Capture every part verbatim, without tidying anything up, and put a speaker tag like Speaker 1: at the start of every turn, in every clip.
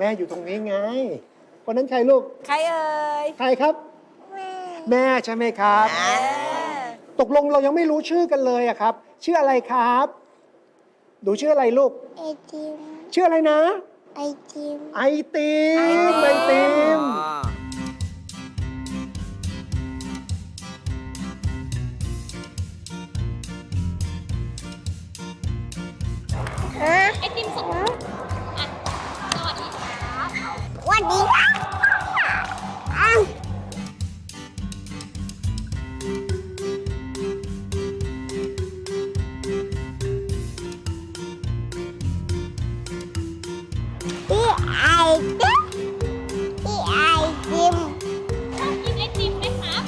Speaker 1: อยู่ตรงนี้ไงคนนั้นใครลูก
Speaker 2: ใครเอ่ย
Speaker 1: ใครครับ แม่ใช่ไหมครับ ตกลงเรายังไม่รู้ชื่อกันเลยอะครับ ชื่ออะไรครับดูชื่ออะไรลูก
Speaker 3: ไอติม
Speaker 1: ชื่ออะไรนะ
Speaker 3: ไอติม
Speaker 1: ไอติมไอติม
Speaker 3: ฮะ
Speaker 4: ไอติมสดอ่ะสวัสดีครับ
Speaker 3: วันดีอ้าวพี่ไอติมพี่ไอติม
Speaker 4: ชอบกินไอติมไหมครับ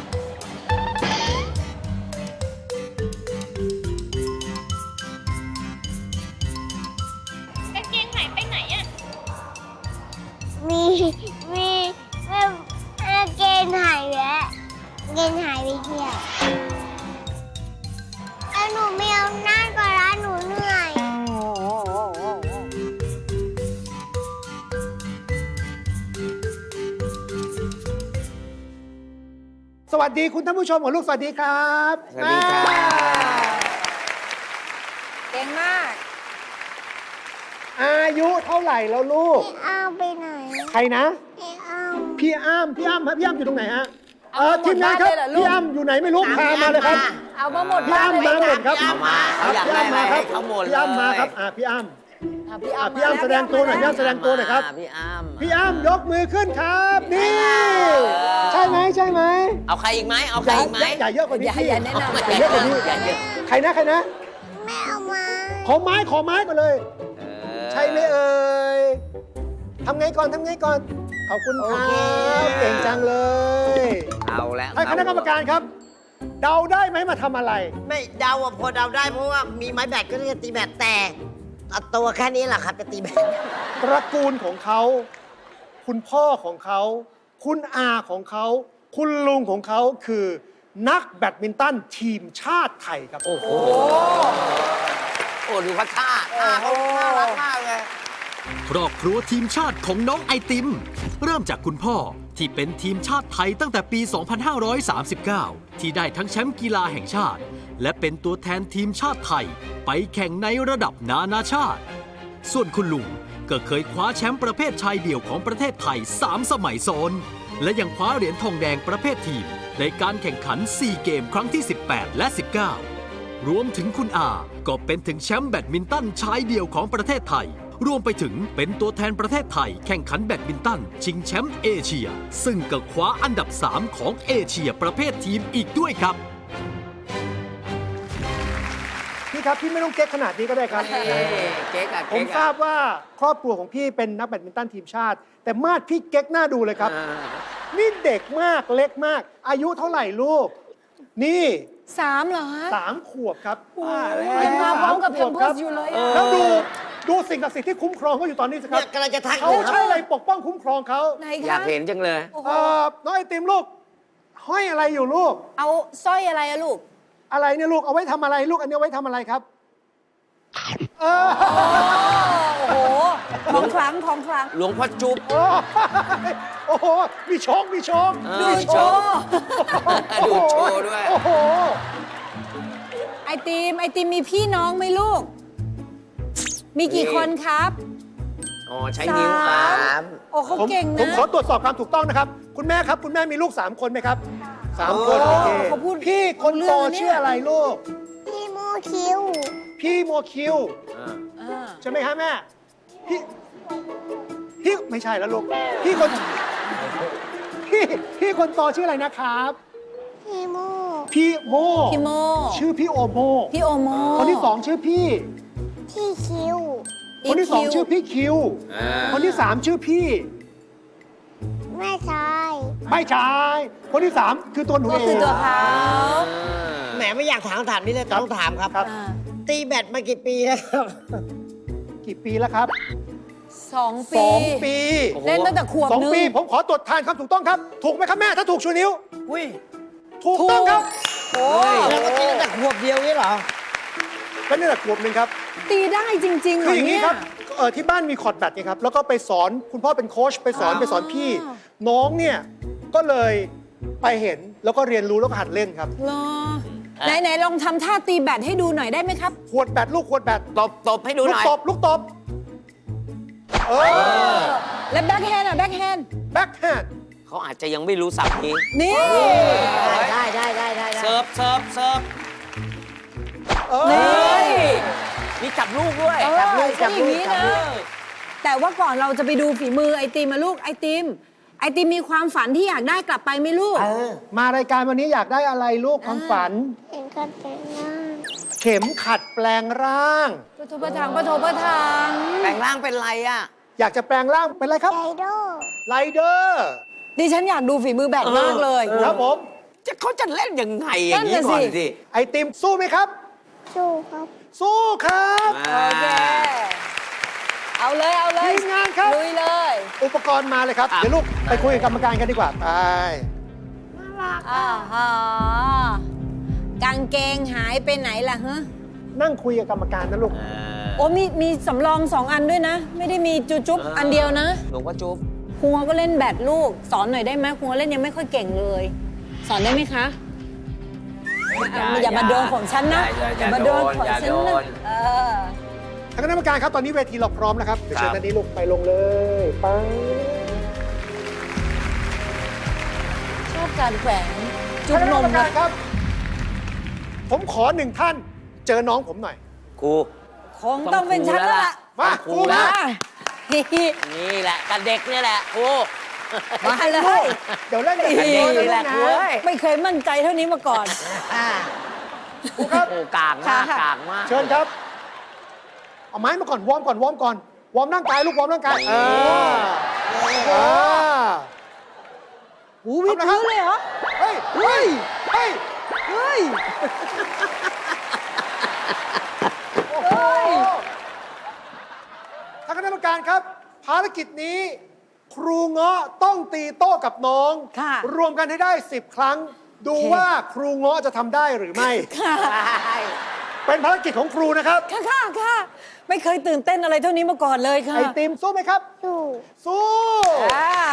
Speaker 4: กางเกงหายไปไหนอ่ะ
Speaker 3: มีมีเอ่อเอ่อเกณฑ์หายแล้วเกณฑ์หายไปเที่ยวแล้วหนูไม่เอาหน้าก่อนละหนูเหนื่อย
Speaker 1: สวัสดีคุณท่านผู้ชมของลูกสวัสดีครับ
Speaker 5: สวัสดีครับ
Speaker 1: อ่า
Speaker 2: เก่งมาก
Speaker 1: อายุเท่าไหร่แล้วลูก
Speaker 3: พี่อ้าวไปไหน
Speaker 1: ใครนะ
Speaker 3: พี่อ้าว
Speaker 1: พี่อ้ำพี่อ้ำครับพี่อ้ำอยู่ตรงไหนฮะ
Speaker 2: เอา
Speaker 1: เออ
Speaker 2: หมด
Speaker 1: ทีมงานครับ
Speaker 2: บ้านเลยเหรอลูก
Speaker 1: พี่อ้ำอยู่ไหนไม่รู้พามาเลยครับ
Speaker 2: เอามาหมด
Speaker 1: พี่
Speaker 2: บ้าน
Speaker 1: อ้ำ
Speaker 2: เล
Speaker 1: มาย หมดครับ
Speaker 5: พี่อ้ำมาเขาอยากได้อะไรให้เขาหมดเลย
Speaker 1: พี่อ้ำมาครับอ่าพี่อ้ำ
Speaker 2: อ่ะพี่
Speaker 1: อ่ะ
Speaker 2: อ้ำ
Speaker 1: พี่อ้ำแสดงตัวหน่อยพี่อ้ำแสดงตัวหน่อยครับ
Speaker 5: พี่อ้ำ
Speaker 1: พี่อ้ำยกมือขึ้นครับ นี่ ใช่ไหมใช่ไหม
Speaker 5: เอาใครอีกไหมเอาใครอีกไหม
Speaker 1: อย่าเยอะกว่านี้
Speaker 2: อย่า
Speaker 1: พี่
Speaker 2: อย่าแนะนำ
Speaker 1: อย่าเยอะกว่านี้
Speaker 5: อย่าเยอะ
Speaker 1: ใครนะใครนะ
Speaker 3: แม่เอามา
Speaker 1: ขอไม้ขอไม้ก่อนเลย
Speaker 5: เออ
Speaker 1: ใช่ไหมเอ่ยทำไงก่อนทำไงก่อน ขอบคุณครับเก่งจังเลย
Speaker 5: เอาแล้ว
Speaker 1: ให้คณะกรรมการครับ เดาได้ไหมมาทำอะไร
Speaker 6: ไม่เดาอะพอเดาได้เพราะว่ามีไม้แบตก็จะตีแบตแต่เอาตัวแค่นี้แหละครับจะตีแบต
Speaker 1: ตระกูลของเขา คุณพ่อของเขา คุณอาของเขา คุณลุงของเขาคือ นักแบดมินตันทีมชาติไทยครับ
Speaker 5: โอ้โหโอ้ดูเขาท่าท่าเขาน่ารักมากเลย
Speaker 7: ครอบครัวทีมชาติของน้องไอติม เริ่มจากคุณพ่อที่เป็นทีมชาติไทยตั้งแต่ปี สองพันห้าร้อยสามสิบเก้า ที่ได้ทั้งแชมป์กีฬาแห่งชาติ และเป็นตัวแทนทีมชาติไทย ไปแข่งในระดับนานาชาติ ส่วนคุณลุงก็เคยคว้าแชมป์ประเภทชายเดี่ยวของประเทศไทย สาม สมัยซ้อน และยังคว้าเหรียญทองแดงประเภททีม ในการแข่งขัน ซี เกมครั้งที่ สิบแปด และ สิบเก้า รวมถึงคุณอา ก็เป็นถึงแชมป์แบดมินตันชายเดี่ยวของประเทศไทย รวมไปถึงเป็นตัวแทนประเทศไทยแข่งขันแบดมินตันชิงแชมป์เอเชีย ซึ่งก็คว้าอันดับ สาม ของเอเชียประเภททีมอีกด้วยครับ
Speaker 1: พี่ครับ พี่ไม่ต้องเก๊กขนาดนี้ก็ได้ครับ
Speaker 5: เอ๊ะเก๊กอะ
Speaker 1: ผ
Speaker 5: เก๊
Speaker 1: ม
Speaker 5: ก
Speaker 1: ทรา
Speaker 5: อะ
Speaker 1: บว่าครอบครัวของพี่เป็นนักแบดมินตันทีมชาติ แต่มาดพี่เก๊กหน้าดูเลยครับ
Speaker 5: อ่า
Speaker 1: นี่เด็กมากเล็กมาก อายุเท่าไหร่ลูก นี่
Speaker 2: สามเหรอฮะ
Speaker 1: สามขวบครับ
Speaker 2: ยังมาพร้อมกับ
Speaker 1: ส
Speaker 2: แพ
Speaker 1: ขว
Speaker 2: ม
Speaker 1: บ
Speaker 2: เพิ
Speaker 1: ค
Speaker 2: ร์
Speaker 1: รั
Speaker 2: ส
Speaker 1: บ
Speaker 2: อยู่เลย
Speaker 5: เอ
Speaker 2: อะ
Speaker 5: อ
Speaker 1: แล้วดูดูสิ่งศักดิ์สิทธิ์ที่คุ้มครองเขาอยู่ตอนนี้สิครั
Speaker 6: เนี่
Speaker 1: บ
Speaker 6: ยกำลังจะทักอ
Speaker 1: เขา
Speaker 6: ยู่ค
Speaker 1: ใช้
Speaker 6: รับ
Speaker 1: อะไรปกป้องคุ้มครองเขา
Speaker 2: ไหน
Speaker 5: อยา
Speaker 2: คะ
Speaker 5: กเห็นจังเลย
Speaker 2: โอ้โห
Speaker 1: เอ่อน้องไอติมลูก ห้อยอะไรอยู่ลูก
Speaker 2: เอาสร้อยอะไรอะลูก
Speaker 1: อะไรเนี่ยลูก เอาไว้ทำอะไรลูก อันนี้เอาไว้ทำอะไรครับ เออ
Speaker 2: โอ้โหของคลังของคลัง
Speaker 5: หลวงพ่อจุ๊บ
Speaker 1: โอ้โอ้โห มีโชคมีโชค
Speaker 5: เออ
Speaker 2: ดูโชว์
Speaker 5: ดูโชว์ด้วย
Speaker 1: โอ้โห
Speaker 2: ไอติมไอติมมีพี่น้องไหมลูก มีกี่คนครับ
Speaker 5: อ๋อใช้นิ้ว
Speaker 2: สาม
Speaker 5: สาม
Speaker 2: โอ้เขา
Speaker 1: ผม
Speaker 2: เก่ง
Speaker 1: ผม
Speaker 2: นะ
Speaker 1: ขอตรวจสอบความถูกต้องนะครับ คุณแม่ครับ คุณแม่มีลูกสามคนไหมครับสามคน
Speaker 2: โอ้
Speaker 1: โอเค
Speaker 2: เขาพูด
Speaker 1: พี่คน
Speaker 2: รู้เรื่
Speaker 1: โต
Speaker 2: องนะเนี่ย
Speaker 1: ชื่ออะไรลูก
Speaker 3: พี่โมคิว
Speaker 1: พี่โมคิว
Speaker 5: อ่า
Speaker 2: อ่า
Speaker 1: ใช่ไหมครับแม่ พี่ พี่ไม่ใช่แล้วลูก พี่คน พี่พี่คนโตชื่ออะไรนะครับ
Speaker 3: พี่โม
Speaker 1: พี่โม
Speaker 2: พี่โม
Speaker 1: ชื่อพี่โอโม
Speaker 2: พี่โอโม
Speaker 1: คนที่สองชื่อพี่
Speaker 3: พี่คิว
Speaker 1: คนที่สองชื่อพี่คิว
Speaker 5: อ่า
Speaker 1: คนที่สามชื่อพี่
Speaker 3: แม่ชาย
Speaker 1: ไม่ใช่คนที่สามคือตัวหนู
Speaker 2: ก็
Speaker 1: เอง
Speaker 2: คือตัวเขา
Speaker 6: แหมไม่อยากถามคำถามนี้เลยแต่ต้องถามครับ
Speaker 1: ครับ
Speaker 2: อ่า
Speaker 6: ตีแบตมากี่ปีแล้วครับ
Speaker 1: กี่ปีแล้วครับ
Speaker 2: สอง
Speaker 1: ส
Speaker 2: ปี
Speaker 1: องปี
Speaker 5: โอ้โห
Speaker 2: เล่นตั้งแต่ขวบ
Speaker 1: สอง
Speaker 2: นึง
Speaker 1: ปี ผมขอตรวจทานครับถูกต้องครับ ถูกไหมครับแม่ ถ้าถูกชูนิ้ว
Speaker 6: อุ้ย
Speaker 1: ถูกต้องครับ
Speaker 2: โอ้
Speaker 6: แล้วก็ตีตั้งแต่ขวบเดียวนี่เหรอ
Speaker 1: ก็นี่แหละขวบหนึ่งครับ
Speaker 2: ตีได้จริงๆเหร
Speaker 1: คือ
Speaker 2: อ
Speaker 1: อย่างนี้
Speaker 2: เนี่ย
Speaker 1: ครับเอ่อที่บ้านมีคอร์ดแบดไงครับ แล้วก็ไปสอนคุณพ่อเป็นโค้ชไปสอนไปสอนพี่ น้องเนี่ย ก็เลยไปเห็นแล้วก็เรียนรู้แล้วก็หัดเล่นครับ
Speaker 2: เหรอไหนไหนลองทำท่าตีแบดให้ดูหน่อยได้ไหมครับ
Speaker 1: ขวดแบดลูกขวดแบด
Speaker 5: ตบตบให้ดู
Speaker 1: ลู
Speaker 5: ห
Speaker 1: ก
Speaker 5: น่อย
Speaker 1: ตบลูกตบ เออ
Speaker 2: และแบ็คแฮนด์อ่ะแบ็คแฮนด์
Speaker 1: แบ็คแฮนด์
Speaker 5: เขาอาจจะยังไม่รู้ศัพท์นี้
Speaker 2: นี่
Speaker 6: ได้ได้ได้ได้ได้
Speaker 5: เซิร์ฟเซิร์ฟเซิร์ฟ
Speaker 1: เออ
Speaker 2: นี่
Speaker 5: มีจับลูกด้วย
Speaker 2: เออ
Speaker 6: จับลูกจับ
Speaker 2: ใช่อย่างนี้
Speaker 6: ลูกจับ
Speaker 2: นะ
Speaker 6: ลูก
Speaker 2: แต่ว่าก่อนเราจะไปดูฝีมือไอติมมาลูกไอติม ไอติมมีความฝันที่อยากได้กลับไปไหมลูก
Speaker 6: เออ
Speaker 1: มารายการวันนี้อยากได้อะไรลูกความฝัน
Speaker 3: เห็นกันแต่หน้า
Speaker 1: เข็มขัดแปลงร่าง
Speaker 2: ปะโทปะทังปะโทปะทัง
Speaker 5: แปลงร่างเป็นไรอ่ะ
Speaker 1: อยากจะแปลงร่างเป็นอะไรครับ
Speaker 3: ไดโด
Speaker 1: ไรเดอร์
Speaker 2: ดิฉันอยากดูฝีมือแบดมากเลย
Speaker 1: ครับผม
Speaker 5: จะเขาจะเล่นยังไงอย่างนี้
Speaker 2: นั่นน่ะ
Speaker 5: ก่อน
Speaker 2: สิ
Speaker 5: สิ
Speaker 1: ไอติมสู้ไหมครับ
Speaker 3: สู้ครับ
Speaker 1: สู้ครับ
Speaker 2: โอเค เอาเลยเอาเลย
Speaker 1: ทีมงานครับ
Speaker 2: ลุยเลย
Speaker 1: อุปกรณ์มาเลยครับ เดี๋ยวลูกไปคุยกับกรรมการกันดีกว่า ไป
Speaker 2: อ่าฮะกางเกงหายไปไหนล่ะฮะ
Speaker 1: นั่งคุยกับกรรมการนะลูก
Speaker 2: โอ้มีมีสำรองสองอันด้วยนะ ไม่ได้มีจุจุ๊บอันเดียวนะ
Speaker 5: หลวงพ่อจุ๊บ
Speaker 2: ครูก็เล่นแบดลูก สอนหน่อยได้ไหมครูเล่นยังไม่ค่อยเก่งเลย สอนได้ไหมคะอ่ะอย่ามาโดนของฉันนะอย่ามาโดนของฉันนะเออ
Speaker 1: ทางคณะกรรมการครับ ตอนนี้เวทีเราพร้อมแล้วครับ เดี๋ยวเชิญด้านนี้ลูกไปลงเลยไป
Speaker 2: ชอบการแขวนจุ
Speaker 1: ทา
Speaker 2: บ
Speaker 1: งคณะ
Speaker 2: น
Speaker 1: กรร
Speaker 2: ม
Speaker 1: ม
Speaker 2: นะ
Speaker 1: การครับ ผมขอหนึ่งท่าน เจอน้องผมหน่อย
Speaker 5: ครู
Speaker 2: คงต้องเป็นฉันแล้วล่ะ
Speaker 1: มา
Speaker 5: ค
Speaker 1: ค
Speaker 5: รู
Speaker 1: รู
Speaker 5: แล้
Speaker 1: มาว
Speaker 5: นี่แหละกับเด็กเนี่ยแหละครู
Speaker 2: มาเลย
Speaker 1: เดี๋ยวเล่นกัน
Speaker 5: นี่
Speaker 1: เดี๋ยว
Speaker 5: แห
Speaker 1: เล่
Speaker 5: ละ
Speaker 1: น
Speaker 5: ครู
Speaker 1: นะ
Speaker 5: เอ้ย
Speaker 2: ไม่เคยมั่นใจเท่านี้มาก่อน
Speaker 6: อ่า
Speaker 1: ครูครับ
Speaker 5: โอ้กากมาก
Speaker 2: ค่ะ
Speaker 5: กากมาก
Speaker 1: เชิญครับ เอาไม้มาก่อน วอร์มก่อน วอร์มก่อน วอร์มร่างกายลูก วอร์มร่างกายเออเออ
Speaker 2: หูวิดพื้นเลยเหรอ
Speaker 1: เฮ้ย เฮ้ย เฮ้ย
Speaker 2: เฮ้ย
Speaker 1: โอ้โหทางคณะกรรมการครับ ภารกิจนี้ ครูเงาะต้องตีโต้กับน้อง
Speaker 2: ค่ะ
Speaker 1: รวมกันให้ได้สิบครั้ง ดู
Speaker 2: โอเค
Speaker 1: ว่าครูเงาะจะทำได้หรือไม่
Speaker 2: ค่ะ
Speaker 1: เป็นภารกิจของครูนะครับ
Speaker 2: ค่ะค่ะค่ะไม่เคยตื่นเต้นอะไรเท่านี้มาก่อนเลยค่ะ
Speaker 1: ไอติมสู้ไหมครับ
Speaker 3: สู้
Speaker 1: สู้
Speaker 2: อ่า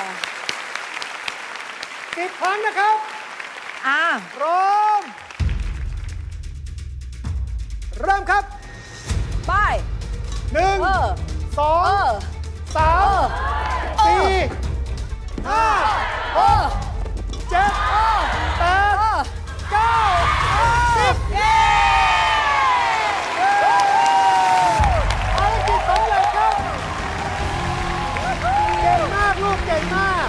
Speaker 1: สิบครั้งนะครับ
Speaker 2: อ่า
Speaker 1: พร้อม เริ่มครับ
Speaker 2: ไป
Speaker 1: หนึ่ง
Speaker 2: เออ
Speaker 1: สอ
Speaker 2: เอง อ
Speaker 1: สามสี่ห้าหกเจ็ดแปดเก้าสิบภารกิจสำเร็จครับ เก่งมากลูกเก่งมาก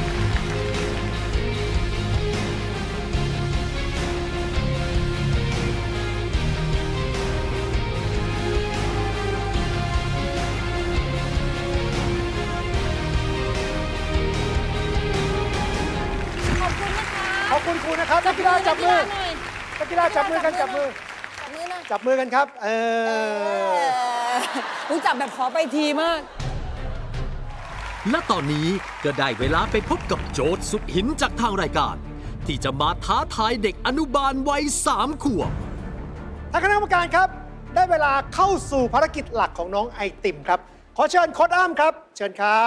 Speaker 2: ขอบคุณนะคะ
Speaker 1: ขอบคุณครูนะครับนักกีฬาจับมือ
Speaker 2: หน่อย
Speaker 1: นักกีฬาจับมือกันจับมือ
Speaker 2: จับมือหน่อย
Speaker 1: จับมือกันครับ เอ
Speaker 2: เอ
Speaker 1: อ
Speaker 2: อรู้จักแบบขอไปทีมาก
Speaker 7: และตอนนี้ก็ได้เวลาไปพบกับโจทย์สุดหินจากทางรายการ ที่จะมาท้าทายเด็กอนุบาลวัยสามขวบ
Speaker 1: ทางคณะกรรมการครับ ได้เวลาเข้าสู่ภารกิจหลักของน้องไอติมครับ ขอเชิญโค้ชอ้ำครับ เชิญครับ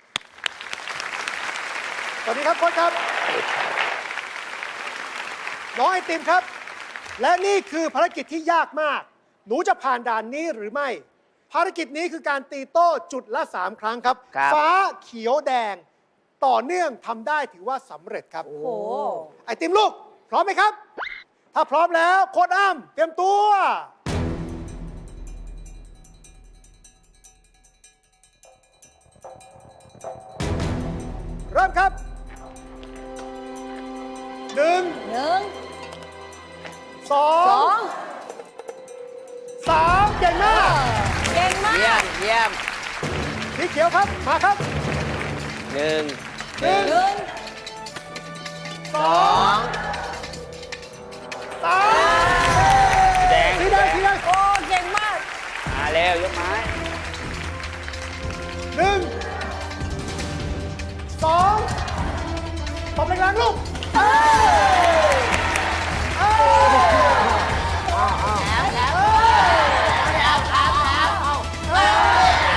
Speaker 1: สวัสดีครับโค้ชครับ น้องไอติมครับ และนี่คือภารกิจที่ยากมาก หนูจะผ่านด่านนี้หรือไม่ ภารกิจนี้คือการตีโต้จุดละสามครั้งครับ
Speaker 5: ครับ
Speaker 1: ฟ้าเขียวแดง ต่อเนื่องทำได้ถือว่าสำเร็จครับ
Speaker 2: โอ้โห
Speaker 1: ไอติมลูก พร้อมไหมครับ ถ้าพร้อมแล้วโค้ชอ้ำเตรียมตัว เริ่มครับหนึ่ง
Speaker 2: หนึ่ง
Speaker 1: สอ
Speaker 2: สอง ง
Speaker 1: สามเก่งมาก
Speaker 2: เก่งมา
Speaker 5: เยี่ย
Speaker 2: ก
Speaker 5: มเยี่ยม
Speaker 1: สีเขียวครับ มาครับ
Speaker 5: หนึ่ง
Speaker 1: หนึ่ง
Speaker 2: หนึ่ง
Speaker 1: สองสาม
Speaker 5: แดง
Speaker 1: สีแดงสีแดง
Speaker 2: โอ้เก่งมาก
Speaker 5: มาเร็วยกไม้
Speaker 1: หนึ่งสองตบแรงๆลูกเอ้ยเอ้ย
Speaker 6: แล้วแล้วแล้วแล้วแล้ว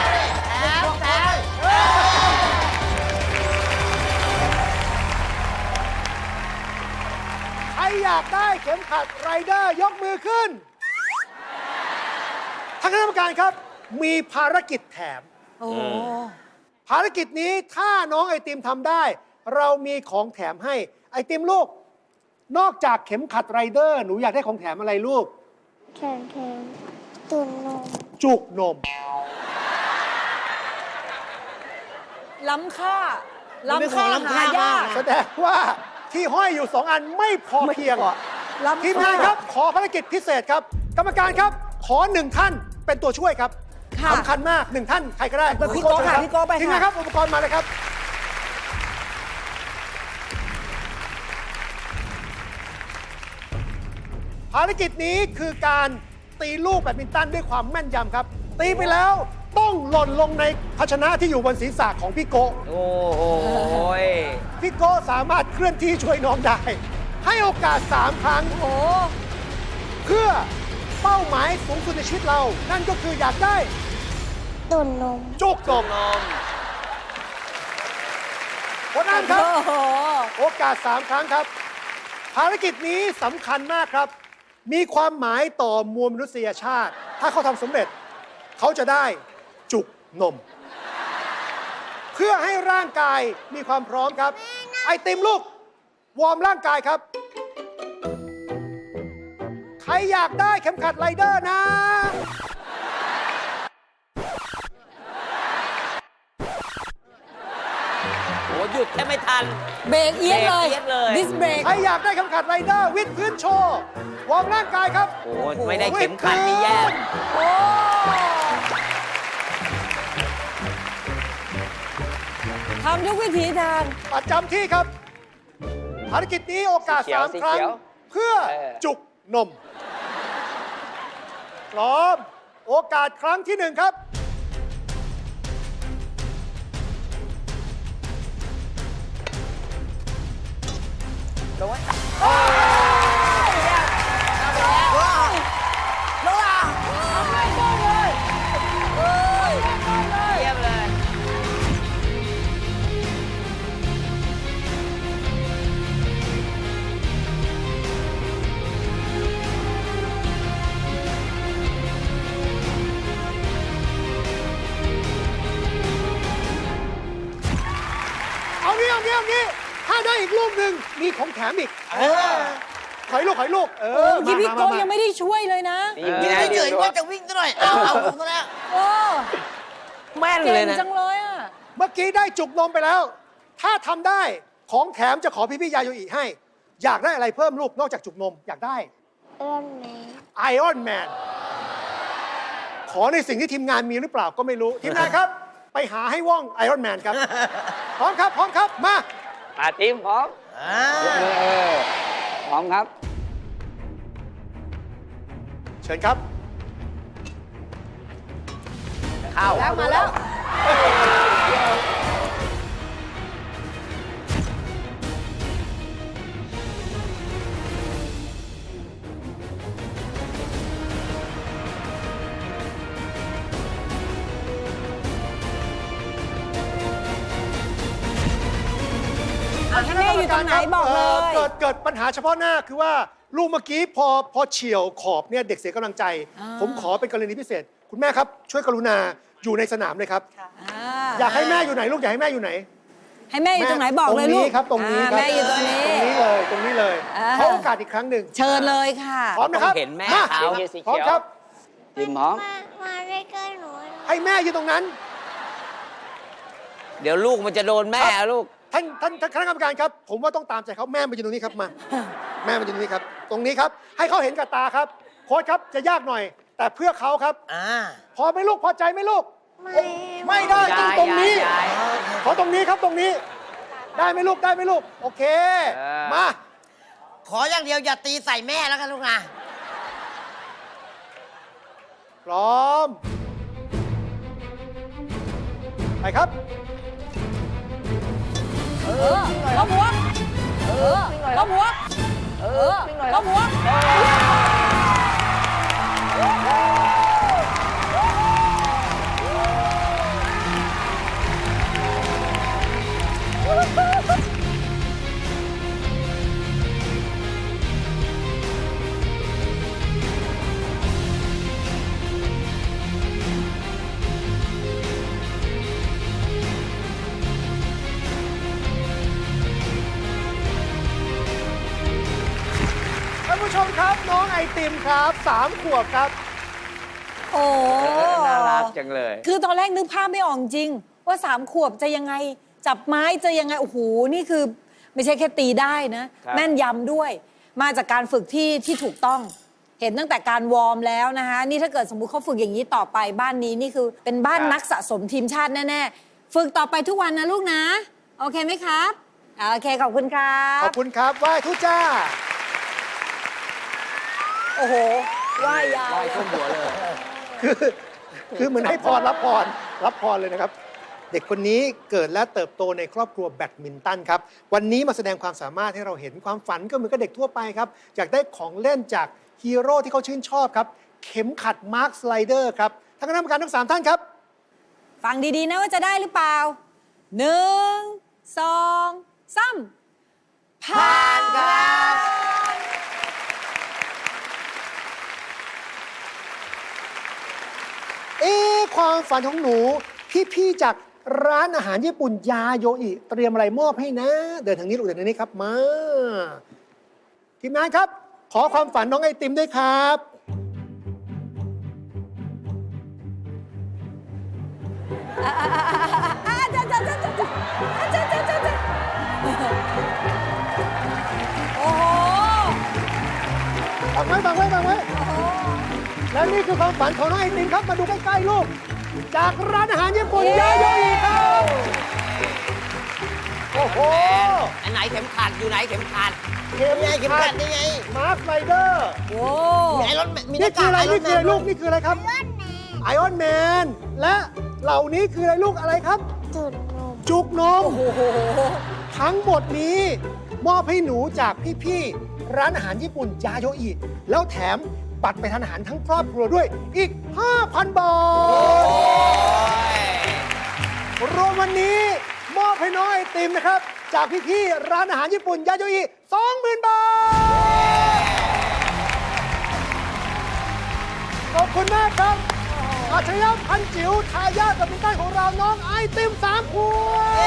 Speaker 1: อยากได้เข็มขัดไรเดอร์ยกมือขึ้นทางคณะกรรมการครับ มีภารกิจแถม
Speaker 2: โอ้
Speaker 1: ภารกิจนี้ถ้าน้องไอติมทำได้ เรามีของแถมให้ไอติมลูก นอกจากเข็มขัดไรเดอร์ หนูอยากได้ของแถมอะไรลูก
Speaker 3: แข็งแข็งตุนนม
Speaker 1: จุกนม
Speaker 2: ล้ำค่า
Speaker 6: มันเป็นของล้ำค่ามาก
Speaker 1: แสดงว่าที่ห้อยอยู่สองอันไม่พอเพียง
Speaker 2: ล้ำ
Speaker 1: ทีมงานครับ ขอภารกิจพิเศษครับ กรรมการครับ ขอหนึ่งท่านเป็นตัวช่วยครับ
Speaker 2: ค่ะ
Speaker 1: สำคัญมากหนึ่งท่านใครก็ได้
Speaker 2: ไปพี่โก้ค่ะพี่โก้ไปค่ะ
Speaker 1: ทีมงานครับอุปกรณ์มาเลยครับ ภารกิจนี้คือการตีลูกแบดมินตันด้วยความแม่นยำครับ ตีไปแล้วต้องหล่นลงในภาชนะที่อยู่บนศีรษะของพี่โกะ
Speaker 5: โอ้โหย
Speaker 1: พี่โกะสามารถเคลื่อนที่ช่วยน้องได้ ให้โอกาส สาม ครั้ง
Speaker 2: โอ้
Speaker 1: เพื่อเป้าหมายสูงสุดในชีวิตเรา นั่นก็คืออยากได้
Speaker 3: ตุนนม
Speaker 1: จุกนม
Speaker 5: นม
Speaker 1: คนนั้นครับ
Speaker 2: โอ้โห
Speaker 1: โอกาส สาม ครั้งครับ ภารกิจนี้สำคัญมากครับ มีความหมายต่อมวลมนุษยชาติ ถ้าเขาทำสำเร็จ เขาจะได้จุกนม เพื่อให้ร่างกายมีความพร้อมครับ ไอติมลูก วอร์มร่างกายครับ ใครอยากได้เข็มขัดไรเดอร์นะ
Speaker 5: โหหยุดแค่ไม่ทัน
Speaker 2: เบรกเอียดเลย
Speaker 5: เบรกเอียดเลย
Speaker 2: ดิสเบรก
Speaker 1: ใครอยากได้เข็มขัดไรเดอร์วิดพื้นโชว์ วอร์มร่างกายครับ
Speaker 5: โอ้โหไม่ได้เข็มขัดนี่แย่
Speaker 2: โอ้ทำทุกวิถีทาง
Speaker 1: ประจำที่ครับ ภารกิจนี้โอกาส
Speaker 5: สีเขียว
Speaker 1: สาม
Speaker 5: สี
Speaker 1: ครั้ง
Speaker 5: เขียว
Speaker 1: เพื่อ
Speaker 5: เออ
Speaker 1: จุกนม พร้อม โอกาสครั้งที่หนึ่งครับ
Speaker 5: โดน เยี่ยมเลย
Speaker 1: เอางี้เอางี้เอางี้ถ้าได้อีกลูกหนึ่งมีของแถมอีกถอยลูกถอยลูก เอ
Speaker 2: เออ
Speaker 1: อ
Speaker 2: เมื่อกี้พี่
Speaker 1: มา
Speaker 2: โก้
Speaker 1: มา
Speaker 2: ยังไม่ได้ช่วยเลยนะ
Speaker 5: นี่
Speaker 6: ยื
Speaker 5: ไง
Speaker 6: นเฉยๆว่าจะวิ่งซะหน่อย เอาเอาผมซะแล้ว
Speaker 2: โอ้
Speaker 5: แม่น
Speaker 2: เก่
Speaker 5: เลย
Speaker 2: ง
Speaker 5: นะ
Speaker 2: จังเลยอ่ะ
Speaker 1: เมื่อกี้ได้จุกนมไปแล้ว ถ้าทำได้ของแถมจะขอพี่พี่ๆยาโยอิให้ อยากได้อะไรเพิ่มลูกนอกจากจุกนม อยากได้
Speaker 3: เอื้อนแม่
Speaker 1: ไอออนแมน ขอในสิ่งที่ทีมงานมีหรือเปล่าก็ไม่รู้ ทีมงานครับ ไปหาให้ว่องไอออนแมนครับ พร้อมครับ พร้อมครับ มา
Speaker 5: อาทีมพร้อม
Speaker 6: อ่า
Speaker 5: ยกมือเออพร้อมครับ
Speaker 1: เชิญครับ
Speaker 5: เข้า
Speaker 2: แล้วมาแล้ว ให้แม่อยู่ตรงไหนบอกเลย
Speaker 1: เกิดเกิดปัญหาเฉพาะหน้าคือว่าลูกเมื่อกี้พอพอเฉียวขอบเนี่ยเด็กเสียกำลังใจ
Speaker 2: อ่า
Speaker 1: ผมขอเป็นกรณีพิเศษ คุณแม่ครับ ช่วยกรุณาอยู่ในสนามเลยครับ
Speaker 2: อ่า
Speaker 1: อยากให้แม่อยู่ไหนลูกอยากให้แม่อยู่ไหน
Speaker 2: ให้แม่อยู่ตรงไหนบอกเลย
Speaker 1: ตรง
Speaker 2: ลู
Speaker 1: นี้
Speaker 2: ก
Speaker 1: ครับตรงนี้ครับ
Speaker 2: อ่าแม่อยู่ตรงนี้
Speaker 1: ตรงนี้เลยตรงนี้เลย
Speaker 2: อ่า
Speaker 1: ขอโอกาสอีกครั้งหนึ่ง
Speaker 2: เชิญเลยค่ะ
Speaker 1: พร้อมนะครับ
Speaker 5: ต้องเห็นแม่
Speaker 1: มา
Speaker 5: เขา
Speaker 1: พร้อมครับ
Speaker 5: ทีมพร้อม
Speaker 3: มามาใกล้ๆหนูหน่อย
Speaker 1: ให้แม่อยู่ตรงนั้น
Speaker 5: เดี๋ยวลูกมันจะโดนแม่อะลูก
Speaker 1: ท่านท่านท่านคณะกรรมการครับ ผมว่าต้องตามใจเขาแม่มาอยู่ตรงนี้ครับมา แม่มาอยู่ตรงนี้ครับ ตรงนี้ครับ ให้เขาเห็นกับตาครับโค้ชครับจะยากหน่อย แต่เพื่อเขาครับ
Speaker 6: อ่า
Speaker 1: พอไหมลูกพอใจไหมลูก
Speaker 3: ไม่
Speaker 1: ไม่ได้ต้องตรงนี้
Speaker 5: ยาย
Speaker 1: ขอตรงนี้ครับตรงนี้ ได้ไหมลูกได้ไหมลูก โอเค
Speaker 5: เออ
Speaker 1: มา
Speaker 6: ขออย่างเดียวอย่าตีใส่แม่แล้วกันลูกนะ
Speaker 1: พร้อม ไปครับ
Speaker 2: เออล้มหัว เออล้มหัว เออล้มหัว
Speaker 1: ผู้ชมครับน้องไอติมครับสามขวบครับ
Speaker 2: โอ้
Speaker 5: น่ารักจังเลย
Speaker 2: คือตอนแรกนึกภาพไม่ออกจริง ว่าสามขวบจะยังไง จับไม้จะยังไง โอ้โห นี่คือไม่ใช่แค่ตีได้นะ
Speaker 5: ครับ
Speaker 2: แม่นยำด้วย มาจากการฝึกที่ที่ถูกต้อง เห็นตั้งแต่การวอร์มแล้วนะคะ นี่ถ้าเกิดสมมุติเขาฝึกอย่างนี้ต่อไปบ้านนี้นี่คือเป็นบ้านนักสะสมทีมชาติแน่ๆ ฝึกต่อไปทุกวันนะลูกนะ โอเคไหมครับ โอเค ขอบคุณครั
Speaker 1: ข
Speaker 2: บ
Speaker 1: อบคุณครับไหว้ทุจ้า
Speaker 2: โอ้โหว่ายยาว
Speaker 5: ลอยขึ้นหัวเลย
Speaker 1: คือคือเหมือนให้พรรับพรรับพรเลยนะครับ เด็กคนนี้เกิดและเติบโตในครอบครัวแบดมินตันครับวันนี้มาแสดงความสามารถให้เราเห็นความฝันก็เหมือนกับเด็กทั่วไปครับอยากได้ของเล่นจากฮีโร่ที่เขาชื่นชอบครับ เข็มขัดมาร์คสไลเดอร์ครับท่านคณะกรรมการทั้งสามท่านครับ
Speaker 2: ฟังดีๆนะว่าจะได้หรือเปล่าหนึ่งสองสามผ่านครับ
Speaker 1: เอ๊ะความฝันของหนูพี่ๆจากร้านอาหารญี่ปุ่นยาโยอิเตรียมอะไรมอบให้นะ เดินทางนี้ลูกเดินทางนี้ครับมาทีมงานครับ ขอความฝันน้องไอติมด้วยครับ
Speaker 2: อ่าอ่าอ่าอ่าจ้าจ้าจ้าจ้าจ้าจ้าจ้าจ้าโอ้โห
Speaker 1: บังไว้บังไว้บังไว้
Speaker 2: โอ้โห
Speaker 1: และนี่คือความฝันของน้องไอติมครับ มาดูใกล้ๆลูก จากร้านอาหารญี่ปุ่นยาโยอิครับ โอ้โห
Speaker 6: อันไหนเข็มขัดอยู่ไหนเข็มขัด
Speaker 1: เข็ม
Speaker 6: นี่ไงเข็ม
Speaker 1: ขั
Speaker 6: ขั
Speaker 1: ด
Speaker 6: ดนี่ไง
Speaker 1: มาร์คไลเดอร์
Speaker 2: โอ้
Speaker 6: มีไอรอนแมนมีห
Speaker 1: นี่
Speaker 6: น้า
Speaker 1: คื
Speaker 6: กา
Speaker 1: อก อะไร
Speaker 6: ไอรอ
Speaker 1: นี่
Speaker 6: นแม
Speaker 1: คืออะไร
Speaker 6: น
Speaker 1: ลูก นี่คืออะไรครับ ไอออนแมน และเหล่านี้คืออะไรลูกอะไรครับ
Speaker 3: จุดนม
Speaker 1: จุกนม
Speaker 2: โอ้โห
Speaker 1: ทั้งหมดนี้ มอบให้หนูจากพี่ๆร้านอาหารญี่ปุ่นยาโยอิแล้วแถมบัตรไปทานอาหารทั้งครอบครัวด้วยอีก ห้าพัน บาท รวมวันนี้มอบให้น้องไอติมนะครับ จากพี่ๆร้านอาหารญี่ปุ่นยาโยอิสองหมื่น บาท ขอบคุณมากครับอัจฉริยะพันจิ๋วทายาทแบดมินตันของเราน้องไอติมสามขวบ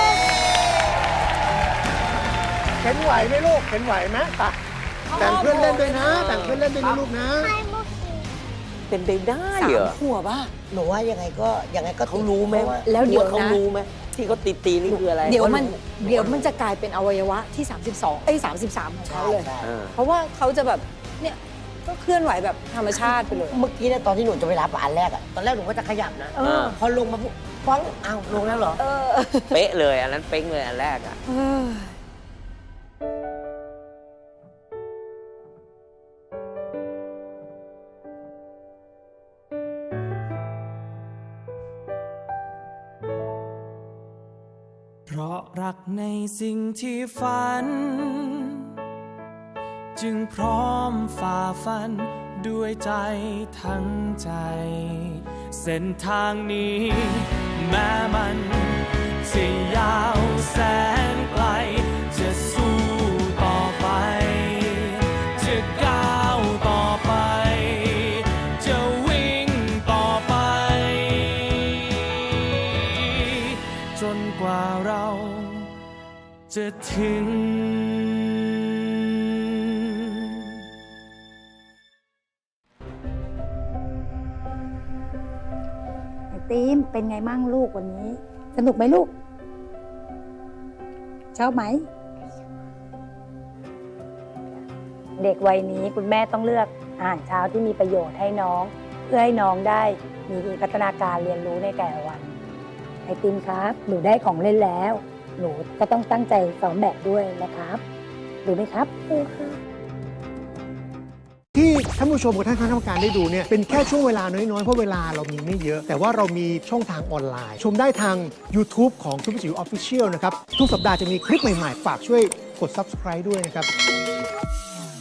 Speaker 1: เข็นไหวไหมลูกเข็นไหวไหมไปแบ่งเพื่อนเล่นด้วยนะแบ่งเพื่อนเล่นด้วยนะลูกนะ
Speaker 3: ให้มุกกี้
Speaker 5: เป็นไปได้
Speaker 2: สา
Speaker 5: เหร
Speaker 2: ม
Speaker 5: อ
Speaker 2: ขวบอ่ะ
Speaker 6: หนูว่ายังไงก็ยังไงก็
Speaker 5: เขารู้ไหมว่า
Speaker 2: แล้วเดี๋ยวนะ
Speaker 5: เขารู้ไหมที่เขาตีตีๆนี่คืออะไร
Speaker 2: เดี๋ยวมัน
Speaker 5: ขารู้
Speaker 2: เดี๋ยวมันจะกลายเป็นอวัยวะที่ สามสิบสอง เอ้ย สามสิบสาม ของเขาเลย
Speaker 5: เออ
Speaker 2: เพราะว่าเขาจะแบบ เนี่ย ก็เคลื่อนไหวแบบธรรมชาติไปเลย
Speaker 6: เมื่อกี้เนี่ยตอนที่หนูจะไปรับอันแรกอะตอนแรกหนูก็จะขยับนะ
Speaker 2: เออ
Speaker 6: พอลงมาปุ๊บฟ้องอ้าวลงแล้วเหรอ
Speaker 2: เออ
Speaker 5: เป๊ะเลยอันนั้นเป๊งเลยอันแรกอ่ะ
Speaker 2: เออ
Speaker 8: เพราะรักในสิ่งที่ฝัน จึงพร้อมฝ่าฟันด้วยใจทั้งใจ เส้นทางนี้แม้มันจะยาวแสนไกล จะสู้ต่อไป จะก้าวต่อไป จะวิ่งต่อไป จนกว่าเราจะถึง
Speaker 9: ไอติมเป็นไงมั่งลูกวันนี้ สนุกไหมลูก ชอบไหม เด็กวัยนี้คุณแม่ต้องเลือกอาหารเช้าที่มีประโยชน์ให้น้อง เพื่อให้น้องได้มีพัฒนาการเรียนรู้ในแต่ละวัน ไอติมครับ หนูได้ของเล่นแล้ว หนูก็ต้องตั้งใจซ้อมแบบด้วยนะครับดูไหมครับดูค่ะ
Speaker 1: ที่ท่านผู้ชมกับท่านคณะกรรมการได้ดูเนี่ยเป็นแค่ช่วงเวลาน้อยๆ เพราะเวลาเรามีไม่เยอะ แต่ว่าเรามีช่องทางออนไลน์ ชมได้ทาง YouTube ของซุปเปอร์จิ๋วออฟฟิเชียลนะครับ ทุกสัปดาห์จะมีคลิปใหม่ๆ ฝากช่วยกด Subscribe ด้วยนะครับ